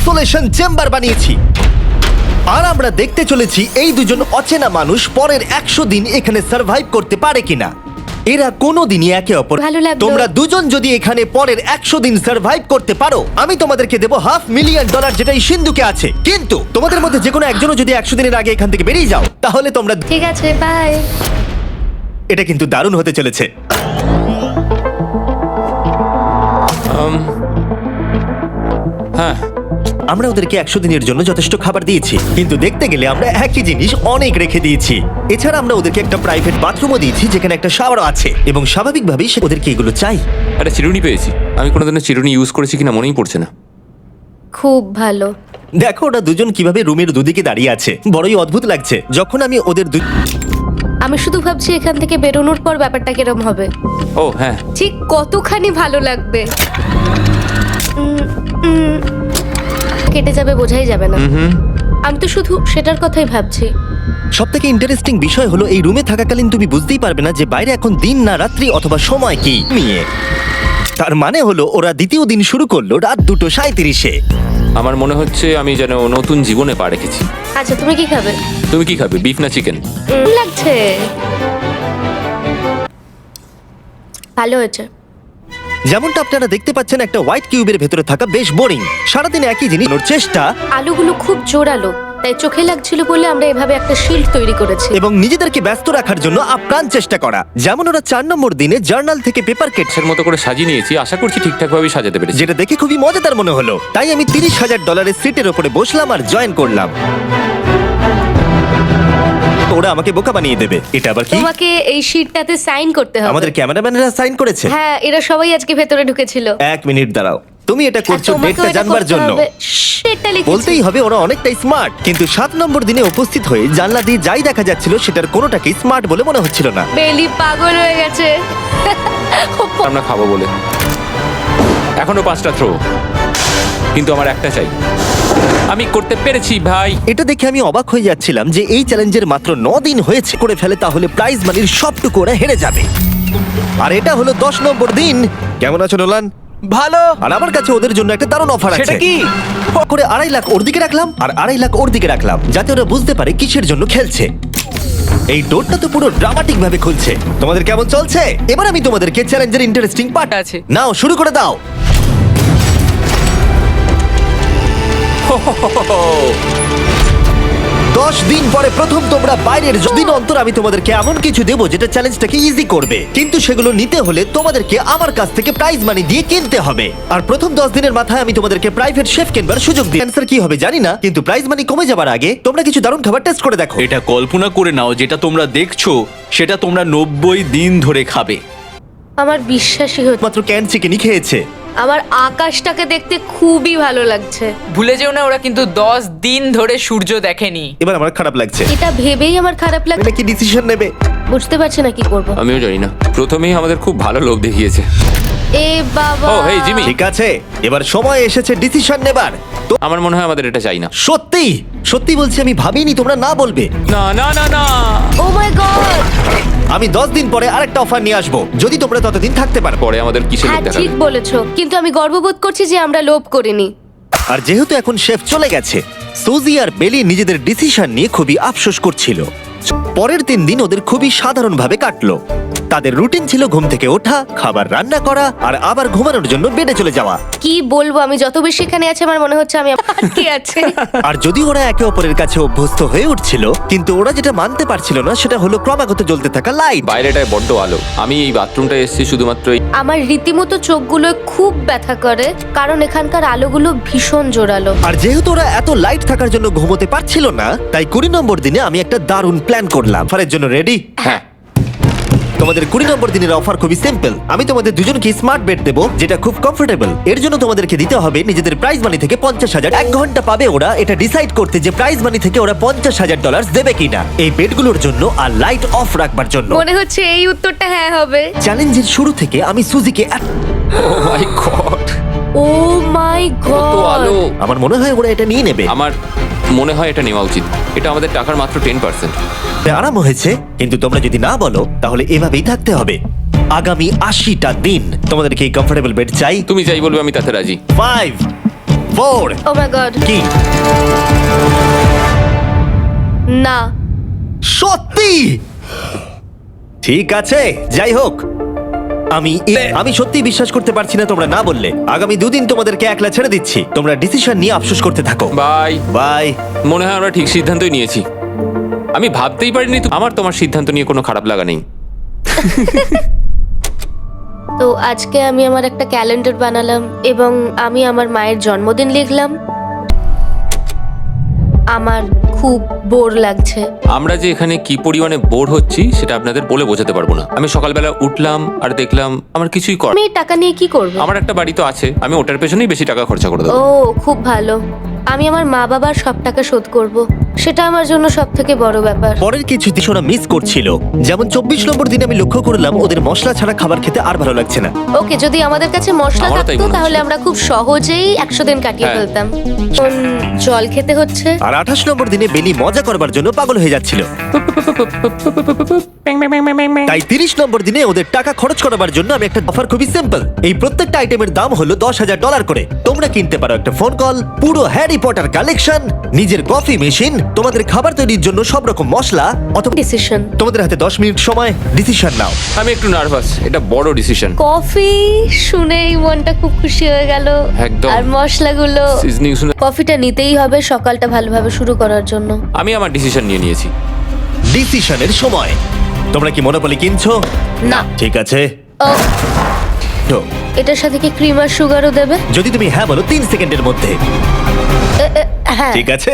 Isolation chamber বানিয়েছি। আর আমরা দেখতে চলেছি এই দুজন অচেনা মানুষ পরের 100 দিন এখানে সার্ভাইভ করতে পারে কিনা। এরা কোনোদিনই একে অপর ভালো লাগলো। তোমরা দুজন যদি এখানে পরের 100 দিন সার্ভাইভ করতে পারো, আমি তোমাদেরকে দেবো $500,000 যেটা এই সিন্ধুকে আছে। কিন্তু তোমাদের মধ্যে যে কোনো একজনও যদি 100 দিনের আগে এখান থেকে বেরিয়ে যাও, তাহলে তোমরা ঠিক আছে, বাই। এটা কিন্তু দারুণ হতে চলেছে। হ্যাঁ, আমরা ওদেরকে 100 দিনের জন্য যথেষ্ট খাবার দিয়েছি, কিন্তু দেখতে গেলে আমরা একই জিনিস অনেক রেখে দিয়েছি। এছাড়া আমরা ওদেরকে একটা প্রাইভেট বাথরুমও দিয়েছি যেখানে একটা শাওয়ারও আছে, এবং স্বাভাবিকভাবেই ওদেরকে এগুলো চাই। একটা চিরুনি পেয়েছি। আমি কোনোদিনও চিরুনি ইউজ করেছি কিনা মনেই পড়ছে না। খুব ভালো। দেখো ওরা দুজন কিভাবে রুমের দুদিকে দাঁড়িয়ে আছে, বড়ই অদ্ভুত লাগছে। যখন আমি ওদের আমি শুধু ভাবছি এখান থেকে বেরোনোর পর ব্যাপারটা কিরম হবে। ও হ্যাঁ, ঠিক কতখানি ভালো লাগবে। উম, উম, কেটে যাবে বোঝাই যাবে না। আমি তো শুধু সেটার কথাই ভাবছি। সবথেকে ইন্টারেস্টিং বিষয় হলো এই রুমে থাকাকালীন তুমি বুঝতেই পারবে না যে বাইরে এখন দিন না রাত্রি অথবা সময় কি নিয়ে। তার মানে হলো ওরা দ্বিতীয় দিন শুরু করলো রাত 2:37-এ। আমার মনে হচ্ছে আমি যেন নতুন জীবনে পা রেখেছি। আচ্ছা, তুমি কি খাবে? তুমি কি খাবে, বিফ না চিকেন? লাগছে। ভালো হয়েছে। যেমনটা আপনারা দেখতে পাচ্ছেন, একটা হোয়াইট কিউবের ভেতরে থাকা বেশ বোরিং। সারাদিন একই জিনিস করার চেষ্টা আলুগুলো খুব জোরালো, তাই চোখে লাগছিল বলে আমরা এভাবে একটা শিল্ড তৈরি করেছি। এবং নিজেদেরকে ব্যস্ত রাখার জন্য আপ্রাণ চেষ্টা করা। যেমন ওরা 4 নম্বর দিনে জার্নাল থেকে পেপার কেটছে, এর মতো করে সাজিয়ে নিয়েছি, আশা করছি ঠিকঠাকভাবে সাজাতে পেরেছি। যেটা দেখে খুবই মজাদার মনে হলো। তাই আমি $30,000 সিটের ওপরে বসলাম আর জয়েন করলাম। ওরা আমাকে বোকা বানিয়ে দেবে। এটা আবার কি? তোমাকে এই শিটটাতে সাইন করতে হবে। আমাদের ক্যামেরাম্যানেরা সাইন করেছে। হ্যাঁ, এরা সবাই আজকে ভেতরে ঢুকেছিল। 1 মিনিট দাঁড়াও, তুমি এটা করছো তোমাকেও ডেটটা এটা জানবার করতে জন্য। হবে। সেটা লিখেছি। বলতেই হবে ওরা অনেকটাই স্মার্ট, কিন্তু 7 নম্বর দিনে উপস্থিত হয়ে জানলা দিয়ে যাই দেখা যাচ্ছিল সেটার কোনোটাকেই স্মার্ট বলে মনে হচ্ছিল না। বেলি পাগল হয়ে গেছে। আমরা খাবো বলে। এখনো 5টা থ্রো, কিন্তু আমার একটা চাই। আমি করতে পেরেছি ভাই। এটা দেখে আমি অবাক হয়ে যাচ্ছিলাম যে এই চ্যালেঞ্জের মাত্র 9 দিন হয়েছে। করে ফেলে তাহলে প্রাইজ মানির সবটুকু ওরা হেরে যাবে। আর এটা হলো 10 নম্বর দিন। কেমন আছো নোলান? ভালো। আর আমার কাছে ওদের জন্য একটা দারুণ অফার আছে। সেটা কি? করে 2.5 লাখ ওর দিকে রাখলাম আর 2.5 লাখ ওর দিকে রাখলাম, যাতে ওরা বুঝতে পারে কিসের জন্য খেলছে। এই ডোরটা তো পুরো ড্রামাটিক ভাবে খুলছে। তোমাদের কেমন চলছে? এবার আমি তোমাদেরকে চ্যালেঞ্জের ইন্টারেস্টিং পার্ট আছে। নাও শুরু করে দাও। 10 দিন পরে প্রথম তোমরা বাইরের দিন অন্তর আমি তোমাদেরকে এমন কিছু দেবো যেটা চ্যালেঞ্জটাকে ইজি করবে, কিন্তু সেগুলো নিতে হলে তোমাদেরকে আমার কাছ থেকে প্রাইজ মানি দিয়ে কিনতে হবে। আর প্রথম 10 দিনের মাথায় আমি তোমাদেরকে প্রাইভেট শেফ কিনবার সুযোগ দিই। অ্যান্সার কি হবে জানি না, কিন্তু প্রাইজ মানি কমে যাবার আগে তোমরা কিছু দারুণ খাবার টেস্ট করে দেখো। এটা কল্পনা করে নাও, যেটা তোমরা দেখছো সেটা তোমরা 90 দিন ধরে খাবে। আমার বিশ্বাসই হচ্ছে। মাত্র ক্যান চিকেনই খেয়েছে। আমার আকাশটাকে দেখতে খুবই ভালো লাগছে। ভুলে যেও না, ওরা কিন্তু 10 দিন ধরে সূর্য দেখেনি। এবার আমার খারাপ লাগছে। এটা ভেবেই আমার খারাপ লাগছে। এটা কি ডিসিশন নেবে? বুঝতে পারছি না কি করব। আমিও জানি না। প্রথমেই আমাদের খুব ভালো লোভ দেখিয়েছে। এ বাবা। ও, হেই, জিমি। ঠিক আছে, এবার সময় এসেছে ডিসিশন নেবার। তো আমার মনে হয় আমাদের এটা চাই না। সত্যি সত্যি বলছি, আমি ভাবিনি তোমরা না বলবে। না না না না। Oh my god. আমি 10 দিন পরে আরেকটা অফার নিয়ে আসবো, যদি তোমরা ততদিন থাকতে পারো। পরে আমাদের কিসের লোভ হ্যাঁ, দেখাবে? ঠিক বলেছো, কিন্তু আমি গর্ববোধ করছি যে আমরা লোভ করিনি। আর যেহেতু এখন শেফ চলে গেছে, সুজি আর বেলি নিজেদের ডিসিশন নিয়ে খুবই আফসোস করছিল। পরের 3 দিন ওদের খুবই সাধারণভাবে কাটলো। তাদের রুটিন ছিল ঘুম থেকে ওঠা, খাবার রান্না করা আর আবার ঘুমানোর জন্য বেডে চলে যাওয়া। কি বলবো, আমি যত বেশি এখানে আছি আমার মনে হচ্ছে আমি আটকে আছে। আর যদি ওরা একে অপরের কাছে অভ্যস্ত হয়ে উঠছিল, কিন্তু ওরা যেটা মানতে পারছিল না সেটা হলো ক্রমাগত জ্বলতে থাকা লাইট। বাইরেটায় বড্ড আলো। আমি এই বাথরুমটায় এসেছি শুধুমাত্র এই। আমার রীতিমতো চোখগুলো খুব ব্যথা করে, কারণ এখানকার আলোগুলো ভীষণ জোরালো। আর যেহেতু ওরা এত লাইট থাকার জন্য ঘুমোতে পারছিল না, তাই 20 নম্বর দিনে আমি একটা দারুণ প্ল্যান করলাম। অফারের জন্য রেডি? হ্যাঁ। তোমাদের 20 নম্বর দিনের অফার খুবই সিম্পল। আমি তোমাদের দুজনকে স্মার্ট বেড দেবো, যেটা খুব কমফোর্টেবল। এর জন্য তোমাদেরকে দিতে হবে নিজেদের প্রাইজ মানি থেকে 50,000। 1 ঘন্টা পাবে ওরা এটা ডিসাইড করতে যে প্রাইজ মানি থেকে ওরা $50,000 দেবে কিনা এই বেডগুলোর জন্য আর লাইট অফ রাখবার জন্য। মনে হচ্ছে এই উত্তরটা হ্যাঁ হবে। চ্যালেঞ্জের শুরু থেকে আমি সুজিকে ও মাই গড, ও মাই কত আলো। গড। আমার মনে হয় ওরা এটা নিয়ে নেবে। আমার মনে হয় এটা নেওয়া উচিত। এটা আমাদের টাকার মাত্র 10%। আরাম হয়েছে, কিন্তু তোমরা যদি না বলো তাহলে এভাবেই থাকতে হবে আগামী 80টা দিন। তোমাদেরকে এই কমফোর্টেবল বেড চাই? তুমি যাই বলবে আমি তাতে রাজি। 5, 4 ও মাই গড, কি না সত্যি? ঠিক আছে, যাই হোক, আমি সত্যি বিশ্বাস করতে পারছি না তোমরা না বললে। আগামী 2 দিন তোমাদেরকে একলা ছেড়ে দিচ্ছি, তোমরা ডিসিশন নিয়ে আফসোস করতে থাকো। বাই। বাই। মনে হয় আমরা ঠিক সিদ্ধান্তই নিয়েছি। আমি ভাবতেই পারিনি আমার তোমার সিদ্ধান্ত নিয়ে কোনো খারাপ লাগা নেই। তো আজকে আমি আমার একটা ক্যালেন্ডার বানালাম এবং আমি আমার মায়ের জন্মদিন লিখলাম। আমার খুব বোর লাগছে। আমরা যে এখানে কি পরিমাণে বোর হচ্ছি সেটা আপনাদের বলে বোঝাতে পারবো না। আমি সকালবেলা উঠলাম আর দেখলাম আমার কিছুই কর। আমি এই টাকা নিয়ে কি করব? আমার একটা বাড়ি তো আছে, আমি ওটার পেছনেই বেশি টাকা খরচা করে দেবো। ও খুব ভালো। আমি আমার মা বাবার সব টাকা শোধ করব, সেটা আমার জন্য সব থেকে বড় ব্যাপার। পরের কিছু দিন ওরা মিস করছিল, যেমন 24 নম্বর দিনে আমি লক্ষ্য করলাম ওদের মশলা ছাড়া খাবার খেতে আর ভালো লাগছে না। ওকে, যদি আমাদের কাছে মশলা আমারও তাই থাকতো মনে তাহলে হচ্ছে। আমরা খুব সহজেই 100 দিন কাটিয়ে হ্যাঁ। ফেলতাম। এখন জল খেতে হচ্ছে। আর 28 নম্বর দিনে বেলি মজা করবার জন্য পাগল হয়ে যাচ্ছিল। তাই 30 নম্বর দিনে ওদের টাকা খরচ করাবার জন্য আমি একটা অফার, খুবই সিম্পল। এই প্রত্যেকটা আইটেমের দাম হলো $10,000 করে। তোমরা কিনতে পারো একটা ফোন কল, পুরো হ্যারি পটার কালেকশন, নিজের কফি মেশিন, তোমাদের খাবার তৈরির জন্য সব রকম মশলা, অথবা ডিসিশন। তোমাদের হাতে 10 মিনিট সময়, ডিসিশন নাও। আমি একটু নার্ভাস, এটা বড় ডিসিশন। কফি শুনেই মনটা খুব খুশি হয়ে গেল। একদম। আর মশলাগুলো, সিজনিং শুনে কফিটা নিতেই হবে সকালটা ভালোভাবে শুরু করার জন্য। আমি আমার ডিসিশন নিয়ে নিয়েছি। ডিসিশনের সময়। তোমরা কি মনোপলি কিনছো? না। ঠিক আছে, ও, তো এটার সাথে কি ক্রিম আর সুগারও দেবে? যদি তুমি হ্যাঁ বলো 3 সেকেন্ডের মধ্যে। হ্যাঁ। ঠিক আছে,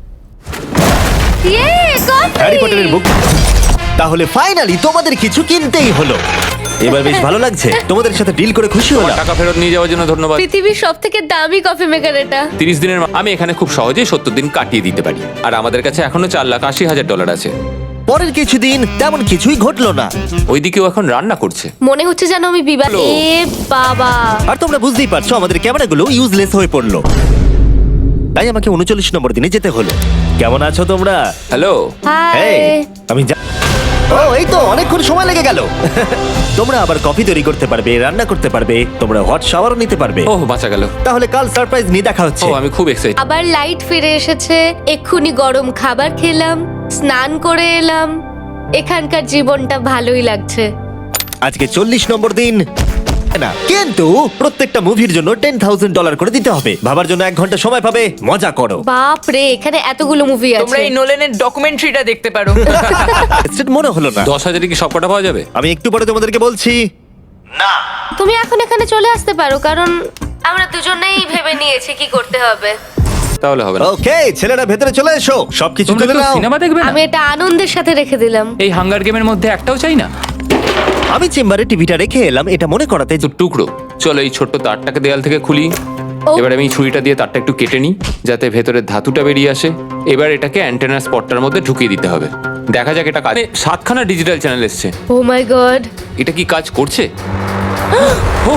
ইয়ে, কফি! হ্যারি পটারের বুক। তাহলে ফাইনালি তোমাদের কিছু কিনতেই হলো। এবার বেশ ভালো লাগছে, তোমাদের সাথে ডিল করে খুশি আমার হলাম। টাকা ফেরত নিয়ে যাওয়ার জন্য ধন্যবাদ। পৃথিবীর সব থেকে দামি কফি মেকার এটা। 30 দিনের আমি এখানে খুব সহজেই 70 দিন কাটিয়ে দিতে পারি। আর আমাদের কাছে এখনো $4,80,000 আছে। পরের কিছুদিন তেমন কিছুই ঘটলো না, ওইদিকেও এখন রান্না করছে। মনে হচ্ছে যেন আমি বিবাহ। হ্যালো। এ বাবা, আর তোমরা বুঝতেই পারছো আমাদের ক্যামেরাগুলো ইউজলেস হয়ে পড়লো। তাই আমাকে 39 নম্বর দিনে যেতে হলো। কেমন আছো তোমরা? হ্যালো। হাই। এই, আমি ও এই তো অনেকক্ষণ সময় লেগে গেল। তোমরা আবার কফি তৈরি করতে পারবে, রান্না করতে পারবে, তোমরা হট শাওয়ারও নিতে পারবে। ওহ, বাঁচা গেল। তাহলে কাল সারপ্রাইজ নিয়ে দেখা হচ্ছে। ও, আমি খুব এক্সাইটেড। আবার লাইট ফিরে এসেছে। এক্ষুনি গরম খাবার খেলাম, স্নান করে এলাম। এখানকার জীবনটা ভালোই লাগছে। আজকে 40 নম্বর দিন না, কিন্তু প্রত্যেকটা মুভির জন্য $10,000 করে দিতে হবে। ভাবার জন্য 1 ঘন্টা সময় পাবে, মজা করো। বাপ রে, এখানে এতগুলো মুভি তোমরা আছে। এই নোলেনের ডকুমেন্টারিটা দেখতে পারো। Interested মনে হলো না। 10,000 কি সব কটা পাওয়া যাবে? আমি একটু পরে তোমাদেরকে বলছি। তুমি এখন এখানে চলে আসতে পারো, কারণ আমরা দুজনেই ভেবে নিয়েছি কি করতে হবে। তাহলে হবে না। ওকে, ছেলেরা ভেতরে চলে এসো, সবকিছু তোমরা তুলে কেউ নাও। সিনেমা দেখবে না? আমি এটা আনন্দের সাথে রেখে দিলাম। এই হাঙ্গার গেমের মধ্যে একটাও চাই না। আমি চেম্বারে টিভিটা রেখে এলাম এটা মনে করাতে তো টুকরো, চলো এই ছোট্ট তারটাকে দেয়াল থেকে খুলি। ও। এবার আমি ছুরিটা দিয়ে তারটা একটু কেটে নিই যাতে ভেতরের ধাতুটা বেরিয়ে আসে। এবার এটাকে অ্যান্টেনা স্পটটার মধ্যে ঢুকিয়ে দিতে হবে। দেখা যাক এটা কাজ। 7খানা ডিজিটাল চ্যানেল এসছে। ও মাই গড, এটা কি কাজ করছে? ও,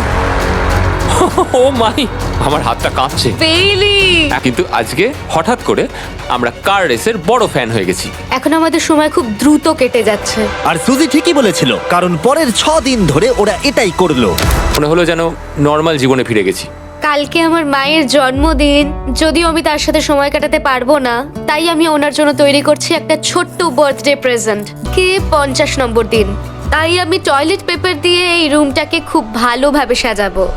ও মাই, আমার হাতটা কাঁপছে। বেইলি! কিন্তু আজকে হঠাৎ করে আমরা কার রেসের বড় ফ্যান হয়ে গেছি। এখন আমাদের সময় খুব দ্রুত কেটে যাচ্ছে। আর সুজি ঠিকই বলেছিল, কারণ পরের 6 দিন ধরে ওরা এটাই করলো। মনে হলো যেন নর্মাল জীবনে ফিরে গেছি। কালকে আমার মায়ের জন্মদিন, যদিও আমি তার সাথে সময় কাটাতে পারবো না, তাই আমি ওনার জন্য তৈরি করছি একটা ছোট্ট বার্থডে প্রেজেন্ট। কে 50 নম্বর দিন, তাই আমি টয়লেট পেপার দিয়ে এই রুমটাকে খুব ভালোভাবে সাজাবো।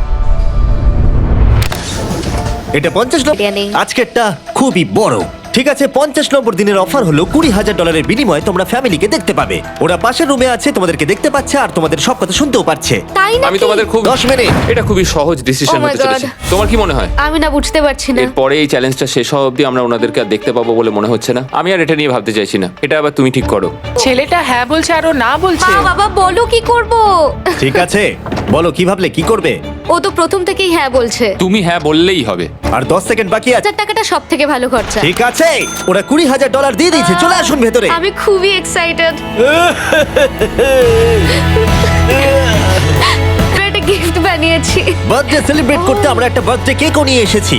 এটা 50 নম্বর, জানি। আজকেরটা খুবই বড়। ঠিক আছে, 50 নম্বর দিনের অফার হলো $20,000 বিনিময়ে তোমরা ফ্যামিলিকে দেখতে পাবে। ওরা পাশের রুমে আছে, তোমাদেরকে দেখতে পাচ্ছে আর তোমাদের সব কথা শুনতেও পাচ্ছে। তাই না? আমি তোমাদের খুব 10 মিনিট। এটা খুবই সহজ ডিসিশন Oh my হতে চলেছে। God. তোমার কি মনে হয়? আমি না বুঝতে পারছি না। এরপরে এই চ্যালেঞ্জটা শেষ হওয়া অবধি আমরা ওনাদেরকে আর দেখতে পাবো বলে মনে হচ্ছে না। আমি আর এটা নিয়ে ভাবতে চাইছি না। এটা আবার তুমি ঠিক করো। ছেলেটা হ্যাঁ বলছে আর ও না বলছে। বাবা বলো কি করব? ঠিক আছে, বলো কি ভাবলে, কি করবে? ও তো প্রথম থেকেই হ্যাঁ বলছে। তুমি হ্যাঁ বললেই হবে। আর 10 সেকেন্ড বাকি আছে। 1000 টাকাটা সব থেকে ভালো খরচা। ঠিক আছে, ওরা $20,000 দিয়ে দিয়েছে, চলে আসুন ভেতরে। আমি খুবই এক্সাইটেড। একটা গিফট বানিয়েছি। বার্থডে সেলিব্রেট করতে আমরা একটা বার্থডে কেকও নিয়ে এসেছি।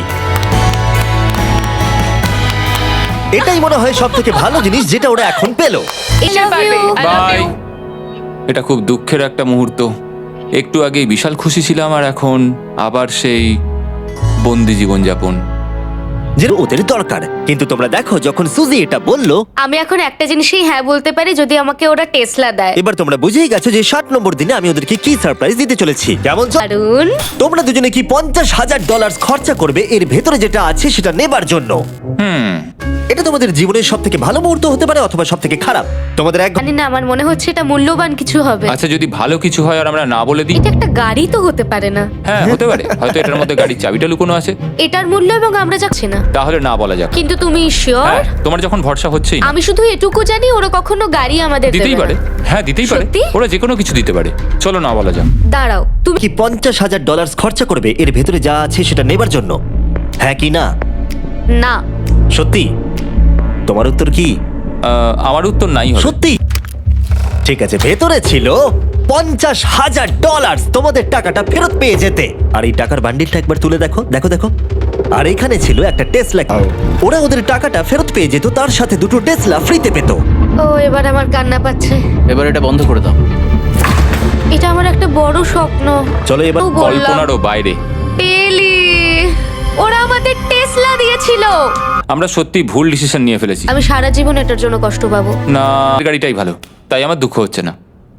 এটাই মনে হয় সব থেকে ভালো জিনিস যেটা ওরা এখন পেলো। I love you. I love bye. you. এটা খুব দুঃখের একটা মুহূর্ত। একটু আগেই বিশাল খুশি ছিলাম আর এখন আবার সেই বন্দি জীবনযাপন। যে ওদের দরকার। কিন্তু তোমরা দেখো যখন সুজি এটা বললো, আমি এখন একটা জিনিসই হ্যাঁ বলতে পারি, যদি আমাকে ওরা টেসলা দেয়। এবার তোমরা বুঝেই গেছো যে 60 নম্বর দিনে আমি ওদেরকে কি সারপ্রাইজ দিতে চলেছি। কেমন দারুন। তোমরা দুজনে কি $50,000 খরচা করবে এর ভেতরে যেটা আছে সেটা নেবার জন্য? এটা তোমাদের জীবনের সব থেকে ভালো মুহূর্ত হতে পারে অথবা সব থেকে খারাপ। তোমাদের এক জানি না, আমার মনে হচ্ছে এটা মূল্যবান কিছু হবে। আচ্ছা, যদি ভালো কিছু হয় আর আমরা না বলে দিই? এটা একটা গাড়ি তো হতে পারে না? হ্যাঁ, হতে পারে। হয়তো এটার মধ্যে গাড়ির চাবিটা লুকোনো আছে। এটার মূল্য এবং আমরা যাচ্ছি না। তাহলে না বলা যাক। কিন্তু তুমি শিওর? হ্যাঁ, তোমার যখন ভরসা হচ্ছেই না। আমি শুধু এটুকু জানি ওরা কখনো গাড়ি আমাদের দিতেই দেবে পারে। না। হ্যাঁ, দিতেই পারে। সত্যি? ওরা যে কোনো কিছু দিতে পারে। চলো না বলা যাক। দাঁড়াও, তুমি কি $50,000 খরচা করবে এর ভেতরে যা আছে সেটা নেবার জন্য? হ্যাঁ কি না? না। সত্যি? তোমার উত্তর কি? আমার উত্তর নাই হবে। সত্যি? ঠিক আছে, ভেতরে ছিল $50,000। তোমাদের টাকাটা ফেরত পেয়ে যেতে। আর এই টাকার বান্ডিলটা একবার তুলে দেখো, দেখো দেখো। আর এখানে ছিল একটা টেসলা। ওরা ওদের টাকাটা ফেরত পেয়ে যেত, তার সাথে দুটো টেসলা ফ্রিতে পেত। ও, এবার আমার কান্না পাচ্ছে। এবার এটা বন্ধ করে দাও। এটা আমার একটা বড় স্বপ্ন। চলো এবার ও, বললাম। কল্পনারও বাইরে। পেলি, ওরা আমাদের টেসলা দিয়েছিল। আমরা সত্যি ভুল ডিসিশন নিয়ে ফেলেছি। আমি সারা জীবন এটার জন্য কষ্ট পাবো। না, গাড়িটাই ভালো, তাই আমার দুঃখ হচ্ছে না।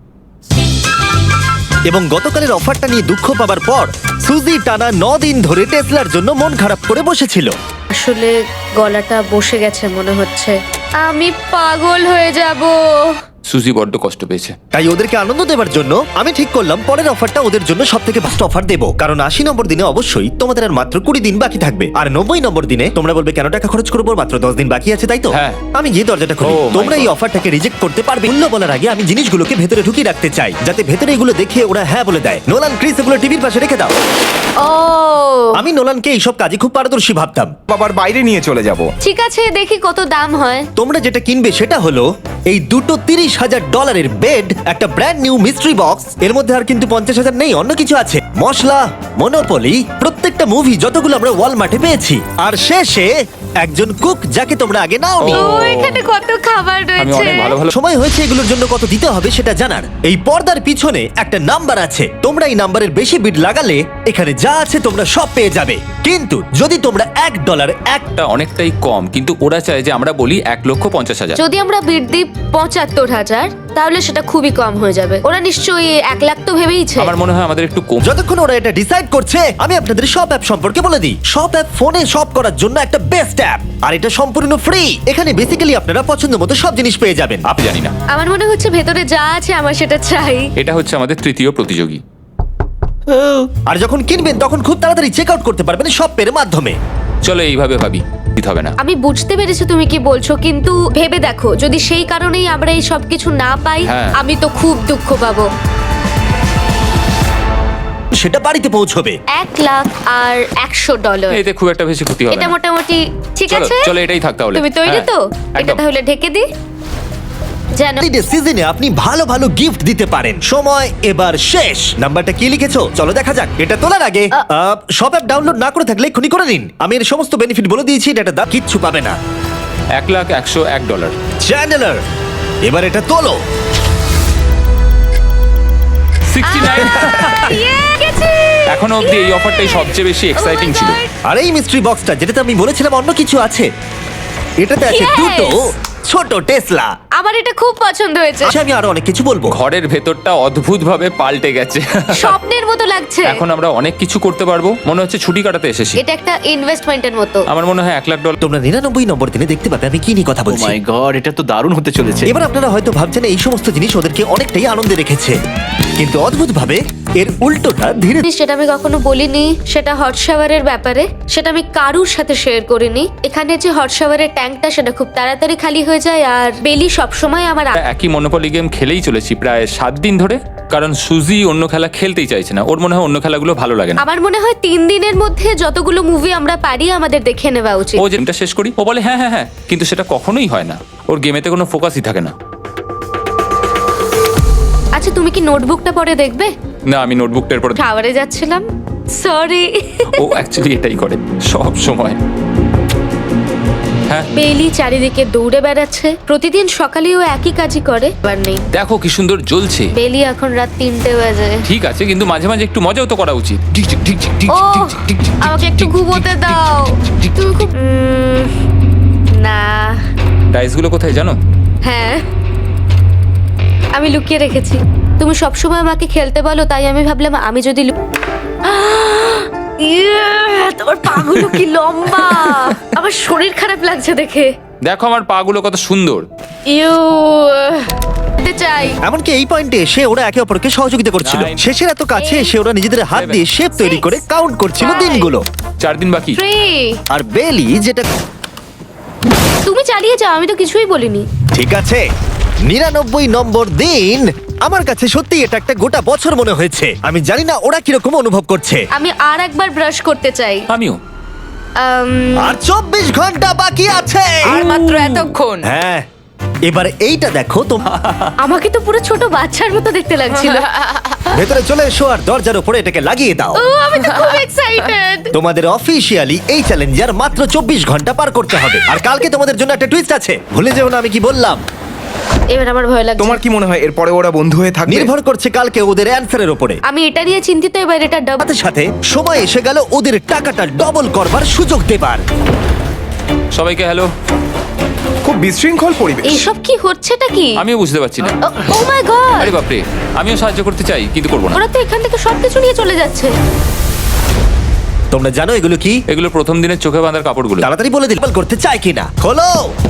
এবং গতকালের অফারটা নিয়ে দুঃখ পাবার পর সুজি টানা 9 দিন ধরে টেসলার জন্য মন খারাপ করে বসেছিল। আসলে গলাটা বসে গেছে মনে হচ্ছে। আমি পাগল হয়ে যাব। সুজি বড্ড কষ্ট পেয়েছে। তাই ওদেরকে আনন্দ দেওয়ার জন্য আমি ঠিক করলাম পরের অফারটা ওদের জন্য সব থেকে বেস্ট অফার দেবো। কারণ 80 নম্বর দিনে অবশ্যই তোমাদের আর মাত্র 20 দিন বাকি থাকবে। আর 90 নম্বর দিনে তোমরা বলবে কেন টাকা খরচ করবো, মাত্র 10 দিন বাকি আছে, তাই তো? হ্যাঁ। আমি গিয়ে দরজাটা খুলি। Oh my তোমরা এই God. অফারটাকে রিজেক্ট করতে পারবে। মূল্য বলার আগে আমি জিনিসগুলোকে ভেতরে ঢুকিয়ে রাখতে চাই, যাতে ভেতরে এগুলো দেখে ওরা হ্যাঁ বলে দেয়। নোলান, ক্রিস, এগুলো টিভির পাশে রেখে দাও। ও, আমি নোলানকে এইসব কাজে খুব পারদর্শী ভাবতাম। বাবার বাইরে নিয়ে চলে যাব। ঠিক আছে, দেখি কত দাম হয়। তোমরা যেটা কিনবে সেটা হলো এই দুটো $30,000 বেড, একটা ব্র্যান্ড নিউ মিস্ট্রি বক্স। এর মধ্যে আর কিন্তু 50,000 নেই, অন্য কিছু আছে। মশলা, মনোপলি, প্রত্যেকটা মুভি যতগুলো আমরা ওয়ালমার্টে পেয়েছি। আর শেষে একজন কুক যাকে তোমরা আগে নাওনি। ও, এখানে কত খাবার আমি রয়েছে। অনেক ভালো ভালো সময় হয়েছে এগুলোর জন্য কত দিতে হবে সেটা জানার। এই পর্দার পিছনে একটা নাম্বার আছে। তোমরা এই নাম্বারের বেশি বিড লাগালে এখানে যা আছে তোমরা সব পেয়ে যাবে। কিন্তু যদি তোমরা $1 টা অনেকটাই কম, কিন্তু ওরা চায় যে আমরা বলি 1,50,000। যদি আমরা বিড দিই 75,000, তাহলে সেটা খুবই কম হয়ে যাবে। ওরা নিশ্চয়ই 1 লাখ তো ভেবেইছে। আমার মনে হয় আমাদের একটু কম। যতক্ষণ ওরা এটা ডিসাইড করছে আমি আপনাদের শপ অ্যাপ সম্পর্কে বলে দিই। শপ অ্যাপ ফোনে শপ করার জন্য একটা বেস্ট অ্যাপ, আর এটা সম্পূর্ণ ফ্রি। এখানে বেসিক্যালি আপনারা পছন্দ মতো সব জিনিস পেয়ে যাবেন। আপনি জানি না, আমার মনে হচ্ছে ভেতরে যা আছে আমার সেটা চাই। এটা হচ্ছে আমাদের তৃতীয় প্রতিযোগী। আর যখন কিনবেন তখন খুব তাড়াতাড়ি চেক আউট করতে পারবেন শপের মাধ্যমে। চলো এইভাবে ভাবি, দিতে হবে না। আমি বুঝতে পেরেছি তুমি কি বলছো, কিন্তু ভেবে দেখো যদি সেই কারণেই আমরা এই সব কিছু না পাই, হ্যাঁ। আমি তো খুব দুঃখ পাবো। সেটা বাড়িতে পৌঁছবে। $1,01,000। এতে খুব একটা বেশি ক্ষতি হবে এটা না। মোটামুটি ঠিক চলো, আছে। চলো এটাই থাক তাহলে। তুমি তৈরি হ্যাঁ, তো? এটা একদম। তাহলে ঢেকে দি। জানো, সিজনে আপনি ভালো ভালো গিফট দিতে পারেন। সময় এবার শেষ। নাম্বারটা কি লিখেছো চলো দেখা যাক। এটা তোলার আগে শপ অ্যাপ ডাউনলোড না করে থাকলে এক্ষুনি করে নিন। আমি এর সমস্ত বেনিফিট বলে দিয়েছি, এটা দাম কিচ্ছু পাবে না। $1,01,001। চ্যানেলার, এবার এটা তোলো। 69। ইয়ে, গেছি। এখনো অবধি এই অফারটাই সবচেয়ে বেশি এক্সাইটিং ছিল। আর এই মিস্ট্রি বক্সটা যেটাতে আমি বলেছিলাম অন্য কিছু আছে, এটাতে আছে Yes! দুটো ছোট টেসলা। আমার এটা খুব পছন্দ হয়েছে। আচ্ছা, আমি আরো অনেক কিছু বলবো। ঘরের ভেতরটা অদ্ভুতভাবে পাল্টে গেছে। স্বপ্নের মতো লাগছে। এখন আমরা অনেক কিছু করতে পারবো, মনে হচ্ছে ছুটি কাটাতে এসেছি। এটা একটা ইনভেস্টমেন্টের মতো। আমার মনে হয় $1,00,000। তোমরা 99 নম্বর দিনে দেখতে পাবে আমি কি নিয়ে কথা ও বলছি। মাই গড, এটা তো দারুণ হতে চলেছে। এবার আপনারা হয়তো ভাবছেন এই সমস্ত জিনিস ওদেরকে অনেকটাই আনন্দে রেখেছে, কিন্তু অদ্ভুতভাবে এর উল্টোটা ধীরে সেটা আমি কখনো বলিনি। সেটা হট শাওয়ারের ব্যাপারে, সেটা আমি কারুর সাথে শেয়ার করিনি। এখানে যে হট শাওয়ারের ট্যাঙ্কটা সেটা খুব তাড়াতাড়ি খালি হয়ে যায়, আর বেলি সবসময় আমার একই মনোপলি গেম খেলেই চলেছি প্রায় 7 দিন ধরে, কারণ সুজি অন্য খেলা খেলতেই চাইছে না। ওর মনে হয় অন্য খেলাগুলো ভালো লাগে না। আমার মনে হয় 3 দিনের মধ্যে যতগুলো মুভি আমরা পারি আমাদের দেখে নেওয়া উচিত। ও গেমটা শেষ করি, ও বলে হ্যাঁ হ্যাঁ হ্যাঁ, কিন্তু সেটা কখনোই হয় না। ওর গেমেতে কোনো ফোকাসই থাকে না। আচ্ছা, তুমি কি নোটবুকটা পরে দেখবে? না, আমি নোটবুকটার পর শাওয়ারে যাচ্ছিলাম, সরি। ও অ্যাকচুয়ালি এটাই করে সব সময়। হ্যাঁ। বেলি চারিদিকে দৌড়ে বেড়াচ্ছে, প্রতিদিন সকালে ও একই কাজই করে। এবার নেই, দেখো কি সুন্দর জ্বলছে। বেলি এখন রাত 3টে বাজে। ঠিক আছে, কিন্তু মাঝে মাঝে একটু মজাও তো করা উচিত। ও আমাকে একটু ঘুমোতে দাও। তুমি খুব না। ডাইসগুলো কোথায় জানো? হ্যাঁ, আমি লুকিয়ে রেখেছি। তুমি সবসময় আমাকে খেলতে বলো, তাই আমি ভাবলাম আমি যদি তোমার পাগুলো কি লম্বা! আমার শরীর খারাপ লাগছে দেখে। দেখো আমার পাগুলো কত সুন্দর। ইউ চাই। এমনকি এই পয়েন্টে এসে ওরা একে অপরকে সহযোগিতা করছিল। 9, শেষের এত কাছে এসে ওরা নিজেদের হাত দিয়ে শেপ তৈরি করে কাউন্ট করছিল 5, দিনগুলো। 4 দিন বাকি। 3 আর বেলি যেটা তুমি চালিয়ে যাও, আমি তো কিছুই বলিনি। ঠিক আছে, 99 নম্বর দিন। আমার কাছে সত্যি এটা একটা গোটা বছর মনে হয়েছে। আমি জানি না ওরা কিরকম অনুভব করছে। আমি আর একবার ব্রাশ করতে চাই। আমিও। আর 24 ঘন্টা বাকি আছে। আর মাত্র এতক্ষণ। হ্যাঁ, এবার এইটা দেখো তো। আমাকে তো পুরো ছোট বাচ্চার মতো দেখতে লাগছিল। ভেতরে চলে এসো আর দরজার উপরে এটাকে লাগিয়ে দাও। ও আমি তো খুব এক্সাইটেড। তোমাদের অফিসিয়ালি এই চ্যালেঞ্জার মাত্র 24 ঘন্টা পার করতে হবে। আর কালকে তোমাদের জন্য একটা টুইস্ট আছে, ভুলে যেও না আমি কি বললাম। এবার আমার ভয় লাগছে। তোমার কি মনে হয় এরপরে ওরা বন্ধু হয়ে থাকবে? নির্ভর করছে কালকে ওদের অ্যানসারের উপরে। আমি এটা নিয়ে চিন্তিত, এবার এটা ডাবল। সাথে সাথে সময় এসে গেল ওদের টাকাটা ডবল করবার সুযোগ দেবার। সবাইকে হ্যালো। খুব বিশৃঙ্খল পরিবেশ। এইসব কি হচ্ছেটা কি? আমিও বুঝতে পারছি না। Oh my god! আরে বাপরে, আমিও সাহায্য করতে চাই কিন্তু করবো না। ওরা তো এখান থেকে সবকিছু নিয়ে চলে যাচ্ছে। তোমরা জানো এগুলো কি? এগুলো প্রথম দিনের চোখে বাঁধার কাপড়গুলো। তাড়াতাড়ি বলে দিল করতে চাই কিনা। খোলো।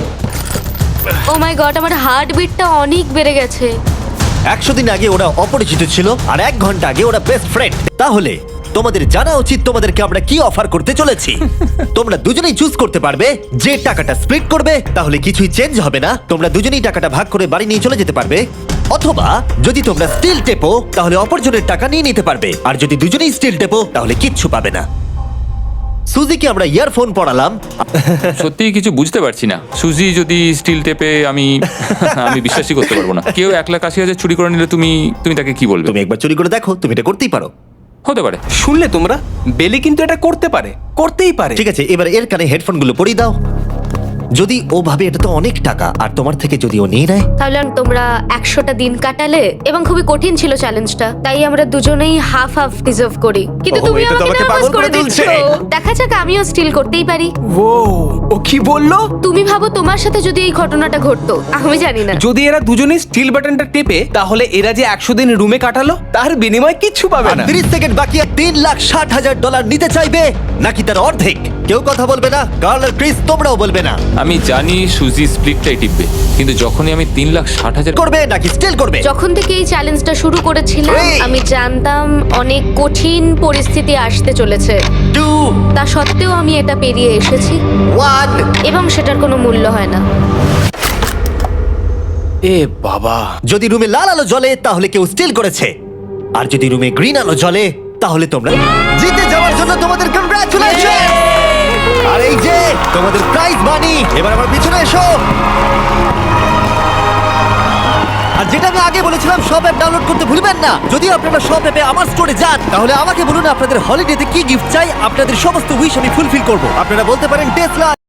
ও মাই গড, আমার হার্ট বিটটা অনেক বেড়ে গেছে। 100 দিন আগে ওরা অপরিচিত ছিল আর 1 ঘন্টা আগে ওরা বেস্ট ফ্রেন্ড। তাহলে তোমাদের জানা উচিত তোমাদেরকে আমরা কি অফার করতে চলেছি। তোমরা দুজনেই চুজ করতে পারবে যে টাকাটা স্প্লিট করবে, তাহলে কিছুই চেঞ্জ হবে না। তোমরা দুজনেই টাকাটা ভাগ করে বাড়ি নিয়ে চলে যেতে পারবে। অথবা যদি তোমরা স্টিল টেপো তাহলে অপরজনের টাকা নিয়ে নিতে পারবে। আর যদি দুজনেই স্টিল টেপো তাহলে কিচ্ছু পাবে না। সুজিকে আমরা ইয়ারফোন পড়ালাম। সত্যি কিছু বুঝতে পারছি না। সুজি যদি স্টিল টেপে, আমি বিশ্বাসই করতে পারবো না। কেউ 1,80,000 চুরি করে নিলে তুমি তাকে কি বলবে? তুমি একবার চুরি করে দেখো, তুমি এটা করতেই পারো। হতে পারে। শুনলে তোমরা, বেলি কিন্তু এটা করতে পারে, করতেই পারে। ঠিক আছে, এবার এর কানে হেডফোনগুলো পরিয়ে দাও। যদি ও ভাবে এটা তো অনেক টাকা আর তোমার থেকে যদি ও নিয়ে নেয়, তাহলে তোমরা 100টা দিন কাটালে এবং খুবই কঠিন ছিল চ্যালেঞ্জটা, তাই আমরা দুজনেই হাফ হাফ ডিজার্ভ করি। কিন্তু ওহো, তুমি এটা তো আমাকে আমাকে নার্ভাস পাগল করে করে দিচ্ছ। তুলছে। দেখা যাক, আমিও স্টিল করতেই পারি। ও ও কি বললো? তুমি ভাবো তোমার সাথে যদি এই ঘটনাটা ঘটতো, আমি জানি না। যদি এরা দুজনেই স্টিল বাটনটা টেপে, তাহলে এরা যে 100 দিন রুমে কাটালো তার বিনিময়ে কিচ্ছু পাবে আর না। 30 সেকেন্ড বাকি। $3,60,000 নিতে চাইবে নাকি তার অর্ধেক? কেউ কথা বলবে না। কার্ল আর ক্রিস তোমরাও বলবে না। আমি জানি সুজি স্প্লিটটাই টিপবে, কিন্তু যখনই আমি 3,60,000 করবে নাকি স্টিল করবে? যখন থেকে এই চ্যালেঞ্জটা শুরু করেছিলাম, Three. আমি জানতাম অনেক কঠিন পরিস্থিতি আসতে চলেছে। 2 তা সত্ত্বেও আমি এটা পেরিয়ে এসেছি 1 এবং সেটার কোনো মূল্য হয় না। এ বাবা, যদি রুমে লাল আলো জ্বলে তাহলে কেউ স্টিল করেছে, আর যদি রুমে গ্রিন আলো জ্বলে তাহলে তোমরা জিতে যাওয়ার জন্য তোমাদের কংগ্রাচুলেশন। আর এই যে তোমাদের প্রাইজ মানি। এবার আমার পিছনে এসো। আর যেটা আমি আগে বলেছিলাম, সব অ্যাপ ডাউনলোড করতে ভুলবেন না। যদি আপনারা সব অ্যাপে আমার স্টোরে যান, তাহলে আমাকে বলুন আপনাদের হলিডেতে কি গিফট চাই। আপনাদের সমস্ত উইশ আমি ফুলফিল করব। আপনারা বলতে পারেন টেসলা,